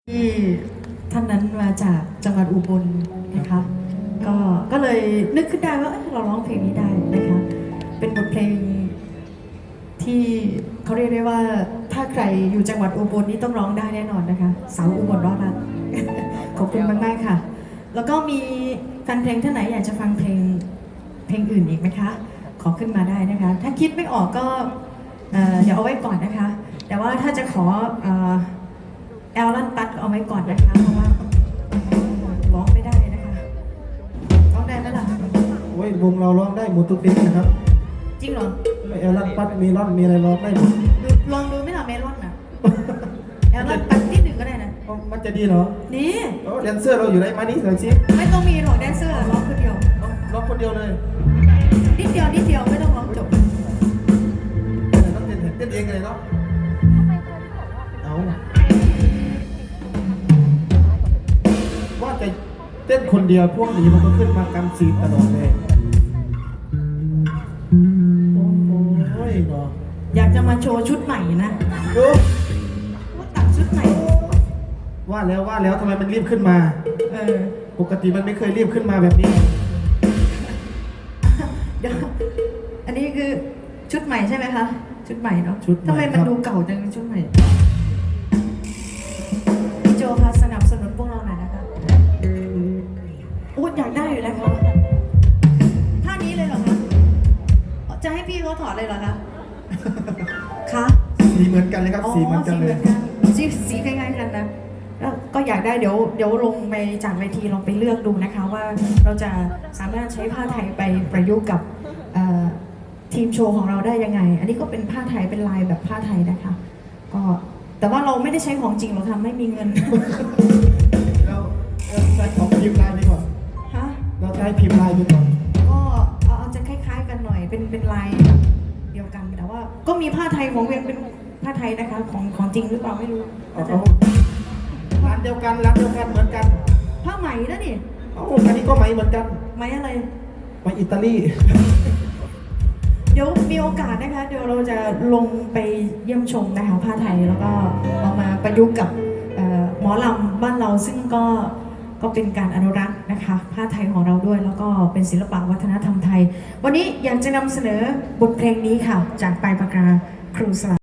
ที่ท่านนั้นมาจากจังหวัดอุบลนะคะก็เลยนึกขึ้นได้ว่าเราร้องเพลงนี้ได้นะคะเป็นบทเพลงที่เขาเรียกได้ว่าถ้าใครอยู่จังหวัดอุบลนี่ต้องร้องได้แน่นอนนะคะสาวอุบลร้องนะขอบคุณมากๆค่ะแล้วก็มีแฟนเพลงท่านไหนอยากจะฟังเพลงอื่นอีกไหมคะขอขึ้นมาได้นะคะถ้าคิดไม่ออกก็เดี๋ยวเอาไว้ก่อนนะคะแต่ว่าถ้าจะขอแอลลันปัดเอาไว้ก่อนนะคะเพราะว่าร้องไม่ได้นะคะร้องได้ไหมล่ะโอ้ยวงเราร้องได้หมดทุกเพลงนะครับจริงเหรอแอลลันปัดมีร่อนมีอะไรร้องได้หมดลองดูไม่ล่ะเมลอนน่ะแอลลันปัดนิดหนึ่งก็ได้นะมันจะดีเหรอนี่แดนเซอร์เราอยู่ได้มานี่หน่อยสิไม่ต้องมีหรอกแดนเซอร์ร้องคนเดียวร้องคนเดียวเลยนิดเดียวไม่ต้องร้องจบต้องเต้นเองเลยเนาะเอาว่าจะเต้นคนเดียวพวกนี้มันก็ขึ้นมากำซีตลอดเลยโอ้ยเนาะอยากจะมาโชว์ชุดใหม่นะดูว่าตัดชุดใหม่ว่าแล้วทำไมมันรีบขึ้นมาปกติมันไม่เคยรีบขึ้นมาแบบนี้เดี๋ยวอันนี้คือชุดใหม่ใช่ไหมคะชุดใหม่เนาะทำไมมันดูเก่าจังชุดใหม่พี่โจคะสนับสนุนพวกเราหน่อยนะคะโอ้อยากได้อยู่แล้วคะท่านี้เลยเหรอคะจะให้พี่เขาถอดเลยเหรอคะคะสีเหมือนกันเลยครับสีเหมือนกันเลยสีคล้ายๆกันนะแล้วก็อยากได้เดี๋ยวลงไปจากเวทีลองไปเลือกดูนะคะว่าเราจะสามารถใช้ผ้าไทยไปประยุกต์กับทีมโชว์ของเราได้ยังไงอันนี้ก็เป็นผ้าไทยเป็นลายแบบผ้าไทยนะคะก็แต่ว่าเราไม่ได้ใช้ของจริงหรอกค่ะไม่มีเงินเราใช้ของพิมพ์ลายดีกว่าฮะเราใช้พิมพ์ลายดีกว่าก็เอาจะคล้ายๆกันหน่อยเป็นลายเดียวกันแต่ว่าก็มีผ้าไทยของเวียงเป็นผ้าไทยนะคะของจริงหรือเปล่าไม่รู้ร้านเดียวกันเหมือนกันผ้าไหมนะนี่อันนี้ก็ไหมเหมือนกันไหมอะไรไหมอิตาลีเดี๋ยวมีโอกาสนะคะเดี๋ยวเราจะลงไปเยี่ยมชมนะคะผ้าไทยแล้วก็เอามาประยุกต์กับหมอลำบ้านเราซึ่งก็เป็นการอนุรักษ์นะคะผ้าไทยของเราด้วยแล้วก็เป็นศิลปะวัฒนธรรมไทยวันนี้อยากจะนำเสนอบทเพลงนี้ค่ะจากปลายปากกาครูสลา